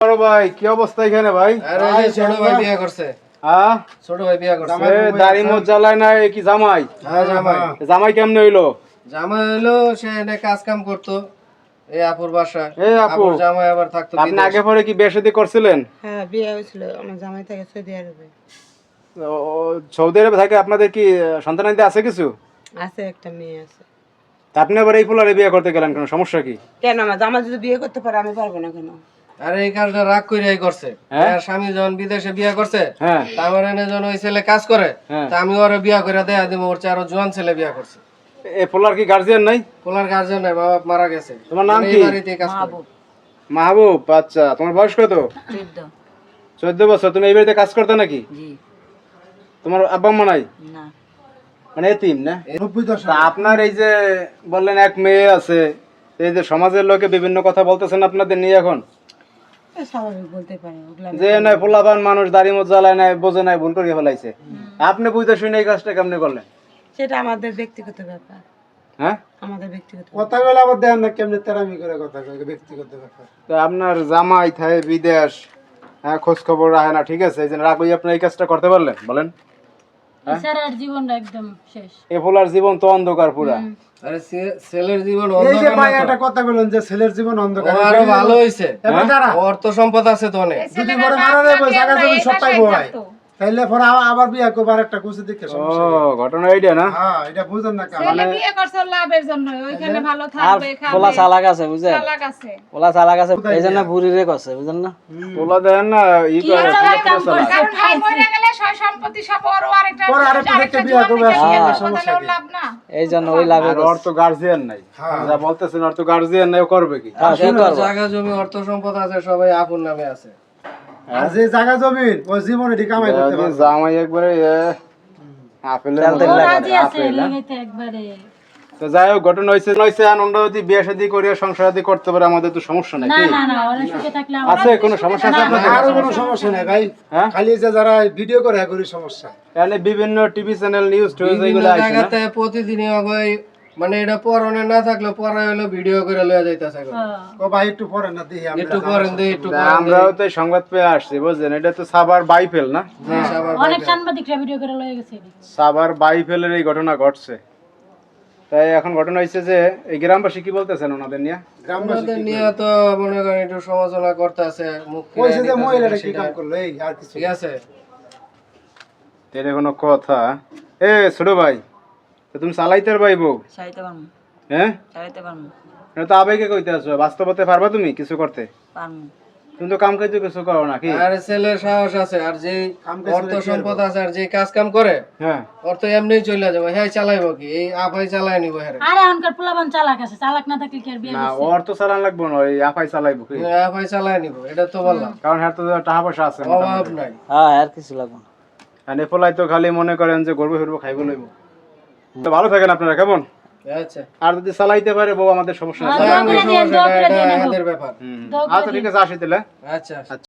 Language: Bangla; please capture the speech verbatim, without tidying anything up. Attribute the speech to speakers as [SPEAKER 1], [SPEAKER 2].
[SPEAKER 1] বড় ভাই কি অবস্থা এখানে ভাই?
[SPEAKER 2] আরে এই ছোট ভাই বিয়ে করছে।
[SPEAKER 1] হ্যাঁ
[SPEAKER 2] ছোট ভাই বিয়ে করছে।
[SPEAKER 1] এ দাড়ি মোজ জ্বালায় না এ কি জামাই?
[SPEAKER 2] হ্যাঁ জামাই।
[SPEAKER 1] জামাই কেমনে হইলো?
[SPEAKER 2] জামাই হলো সে এনে কাজ কাম করতো এই আপুর বাসায়।
[SPEAKER 1] এই আপু
[SPEAKER 2] আপুর জামাই আবার থাকতো
[SPEAKER 1] আপনি
[SPEAKER 2] বিদেশ।
[SPEAKER 1] আগে পরে কি বিয়ে শাদী করছিলেন?
[SPEAKER 3] হ্যাঁ বিয়ে হয়েছিল আমার জামাই থেকে সৌদি আরবে।
[SPEAKER 1] ও, সৌদি আরবে থাকে আপনাদের কি সন্তানাদি আছে কিছু?
[SPEAKER 3] আছে একটা মেয়ে আছে।
[SPEAKER 1] তা আপনি আবার এই পোলারে বিয়ে করতে গেলেন কেন, সমস্যা কি?
[SPEAKER 3] কেন আমার জামাই যদি বিয়ে করতে পারে আমি পারবো না কেন?
[SPEAKER 2] আরে এই কাজটা রাগ কইরাই করছে।
[SPEAKER 1] হ্যাঁ?
[SPEAKER 2] আর স্বামী যখন বিদেশে বিয়ে করছে,
[SPEAKER 1] হ্যাঁ
[SPEAKER 2] তা আমার এনে যখন ওই ছেলে কাজ করে,
[SPEAKER 1] হ্যাঁ।
[SPEAKER 2] তা আমি ওরে বিয়ে করে দেয়া দিব, ওর চেয়ে আরো জোয়ান ছেলে বিয়ে করছে।
[SPEAKER 1] এই পোলার কি গার্জিয়ান নাই?
[SPEAKER 2] পোলার গার্জেন নাই, বাবা মারা গেছে।
[SPEAKER 1] তোমার নাম
[SPEAKER 2] এই
[SPEAKER 1] কি?
[SPEAKER 2] বাড়িতেই কাজ করে।
[SPEAKER 1] মাহবুব। আচ্ছা তোমার বয়স কত? চোদ্দ বছর। তুমি এই বাড়িতে কাজ করতে নাকি? তোমার আব্বা আম্মা নাই?
[SPEAKER 3] না
[SPEAKER 1] মানে এতিম না? তা আপনার এই যে বললেন এক মেয়ে আছে, এই যে সমাজের লোকে বিভিন্ন কথা বলতেছেন আপনাদের নিয়ে এখন,
[SPEAKER 3] স্বাভাবিক বলতে পারে ওগুলা।
[SPEAKER 1] যে নাই পোলাপান মানুষ দাড়ি মোজ জ্বালায় নাই, বোঝে নাই, ভুল করে ফেলাইছে। আপনি বুঝতে শুনে এই কাজটা কেমনে করলেন?
[SPEAKER 3] সেটা আমাদের ব্যক্তিগত ব্যাপার।
[SPEAKER 1] হ্যাঁ
[SPEAKER 3] আমাদের ব্যক্তিগত
[SPEAKER 4] কথা বলে আবার দেখেন না কেমনে তেরামি করে কথা কয়, ব্যক্তিগত ব্যাপার।
[SPEAKER 1] তো আপনার জামাই থাকে বিদেশ, হ্যাঁ খোঁজ খবর রাখে না, ঠিক আছে, এই যে রাগ হয়ে আপনি এই কাজটা করতে পারলেন বলেন?
[SPEAKER 5] স্যারের জীবনটা একদম শেষ।
[SPEAKER 1] এ পোলার জীবন তো অন্ধকার পুরা।
[SPEAKER 2] আরে সে- ছেলের জীবন
[SPEAKER 4] এই যে
[SPEAKER 2] অন্ধকার
[SPEAKER 4] ভাই
[SPEAKER 2] না তো।
[SPEAKER 4] একটা কথা বলেন যে ছেলের জীবন
[SPEAKER 2] ও
[SPEAKER 4] অন্ধকার,
[SPEAKER 2] আরো ভালো হইছে।
[SPEAKER 4] এবার তারা
[SPEAKER 2] অর্থ সম্পদ আছে তো অনেক।
[SPEAKER 4] যদি পরে মারা যাবে জায়গা জমি সব পাইবো ভাই, তাইলে পরে আবার- আবার বিয়া করবার একটা কুচি দেখে
[SPEAKER 1] ও
[SPEAKER 4] সমস্যা নেই।
[SPEAKER 1] ঘটনা এইটা না?
[SPEAKER 4] হ্যাঁ এটা বুঝেন না কেন?
[SPEAKER 5] ছেলে বিয়ে করছে লাভের জন্য, ওইখানে ভালো থাকবে, খাবে।
[SPEAKER 6] পোলা চালাক আছে বুঝছেন,
[SPEAKER 5] চালাক আছে।
[SPEAKER 6] পোলা চালাক আছে এই জন্য বুড়িরে করছে বুঝছেন না।
[SPEAKER 1] পোলা দেন না ই করে পোলা পুরা চালাক।
[SPEAKER 5] কারণ ভাই মরে গেলে সয় সম্পত্তি সব ওর আরেকটা
[SPEAKER 4] পরে আরেকটা
[SPEAKER 5] আরেকটা
[SPEAKER 4] দেখে বিয়ে করবে,
[SPEAKER 5] জোয়ান দেখে
[SPEAKER 4] হ্যাঁ,
[SPEAKER 5] বিয়ে করবে,
[SPEAKER 4] সমস্যা
[SPEAKER 5] তাহলে ওর
[SPEAKER 4] কি?
[SPEAKER 5] লাভ না।
[SPEAKER 6] এই জন্য ওই লাভে
[SPEAKER 1] আর ওর তো গার্জিয়ান নাই,
[SPEAKER 4] হ্যাঁ।
[SPEAKER 1] যা বলতেছেন ওর তো গার্জিয়ান নাই, ও করবে কি?
[SPEAKER 6] হ্যাঁ, সে করবে।
[SPEAKER 2] জায়গা জমি অর্থ সম্পদ আছে সবাই আপন নামে আছে।
[SPEAKER 4] আর যে জায়গা জমিন ওই জীবনে এটি কামাই করতে
[SPEAKER 1] যদি
[SPEAKER 4] পারবে।
[SPEAKER 1] জামাই একবারে এ, আপেলের
[SPEAKER 6] তেল তেল
[SPEAKER 1] মতো
[SPEAKER 6] লাগে।
[SPEAKER 5] রাজি আছে
[SPEAKER 1] আপেল, হ্যাঁ?
[SPEAKER 5] লাগাইতে একবারে।
[SPEAKER 1] তো যাই হোক ঘটনা হয়েছে হয়েছে আনন্দ যদি বিয়ে শাদী করে সংসার আদি করতে পারে আমাদের তো সমস্যা নাই
[SPEAKER 5] না
[SPEAKER 1] কি?
[SPEAKER 5] না না, ওরা সুখে থাকলে আমরা
[SPEAKER 1] আছে কোনো সমস্যা আছে আপনাদের?
[SPEAKER 4] আরো কোনো সমস্যা নেই ভাই,
[SPEAKER 1] হ্যাঁ?
[SPEAKER 4] খালি যে যারা ভিডিও করে হ্যাঁ করি সমস্যা।
[SPEAKER 1] তাহলে বিভিন্ন টিভি চ্যানেল নিউজ টিউজ
[SPEAKER 2] বিভিন্ন
[SPEAKER 1] এগুলো আসে না?
[SPEAKER 2] জায়গাতে প্রতিদিনই আগে মানে এটা পরনে না থাকলে পরে হলো ভিডিও করে লয়ে যাইতাছে এখন।
[SPEAKER 4] ও ভাই একটু পরে না দেখি আমরা
[SPEAKER 2] একটু পরেন দে একটু
[SPEAKER 1] তা
[SPEAKER 2] পরেন দে।
[SPEAKER 1] আমরাও তো এই সংবাদ পেয়ে আসছি বুঝছেন, এটা তো সাবার বাইফেল না?
[SPEAKER 2] জি, সবার
[SPEAKER 5] অনেক সাংবাদিকরা ভিডিও করে লয়ে গেছে এদিকে।
[SPEAKER 1] সাবার বাইফেলের এই ঘটনা ঘটছে। তাই এখন ঘটনা হয়েছে যে এই গ্রামবাসী কি বলতেছেন ওনাদের নিয়ে?
[SPEAKER 4] গ্রামবাসী
[SPEAKER 2] ওনাদের নিয়ে তো মনে করেন একটু সমালোচনা করতেছে, মুখ ফিরায়
[SPEAKER 4] কইছে যে
[SPEAKER 2] নিতেছে
[SPEAKER 4] মহিলাটা কি
[SPEAKER 2] সেটা।
[SPEAKER 4] কাম করলো এই আর কিছু
[SPEAKER 2] ঠিক আছে।
[SPEAKER 1] এটা কোনো কথা? এ ছোট ভাই, তো তুমি চালাইতে পারবাই বউ?
[SPEAKER 3] চাইতে পারবো,
[SPEAKER 1] হ্যাঁ
[SPEAKER 3] চাইতে পারবো,
[SPEAKER 1] এটা তো আবেগে কইতে আছো, বাস্তবতে পারবা তুমি কিছু করতে?
[SPEAKER 3] পারবো।
[SPEAKER 1] তুমি তো কাম কাজ কিছু করো নাকি?
[SPEAKER 2] আর ছেলের সাহস আছে, আর যে
[SPEAKER 4] কাম কাজ
[SPEAKER 2] অর্থ
[SPEAKER 4] করে কি
[SPEAKER 2] সম্পদ আছে, আর যে কাজ কাম করে
[SPEAKER 1] হ্যাঁ
[SPEAKER 2] অর্থ এমনি চলে যাবে। হ্যাঁ চালাইবো কি, এই আপাই চালাই নিবো। হ্যাঁ
[SPEAKER 5] আর এখনকার পোলাপান চালাক আছে, চালাক না থাকলে কি আর বিয়ে
[SPEAKER 1] না,
[SPEAKER 5] করছে?
[SPEAKER 1] ওর তো চালান লাগবো না, ওই আপাই চালাইবো কি?
[SPEAKER 2] আপাই চালাই নিবো, এটা তো বললাম।
[SPEAKER 1] কারণ হ্যাঁ তো টাকা পয়সা আছে
[SPEAKER 2] অভাব নাই।
[SPEAKER 6] হ্যাঁ আর কিছু লাগবে না।
[SPEAKER 1] আর নেপলাই তো খালি মনে করেন যে গর্ব ফিরবো খাইব লইব। তো ভালো থাকেন আপনারা, কেমন?
[SPEAKER 2] আচ্ছা
[SPEAKER 1] আর যদি চালাইতে পারে বউ আমাদের সমস্যা
[SPEAKER 5] আর
[SPEAKER 1] নেই।
[SPEAKER 5] দোয়া করে দিয়েন, দোয়া করে
[SPEAKER 2] এটা
[SPEAKER 5] দিয়েন এখন।
[SPEAKER 2] আমাদের ব্যাপার।
[SPEAKER 1] হুম।
[SPEAKER 5] দোয়া করে
[SPEAKER 1] আচ্ছা ঠিক আছে, আসি তাহলে।
[SPEAKER 2] আচ্ছা।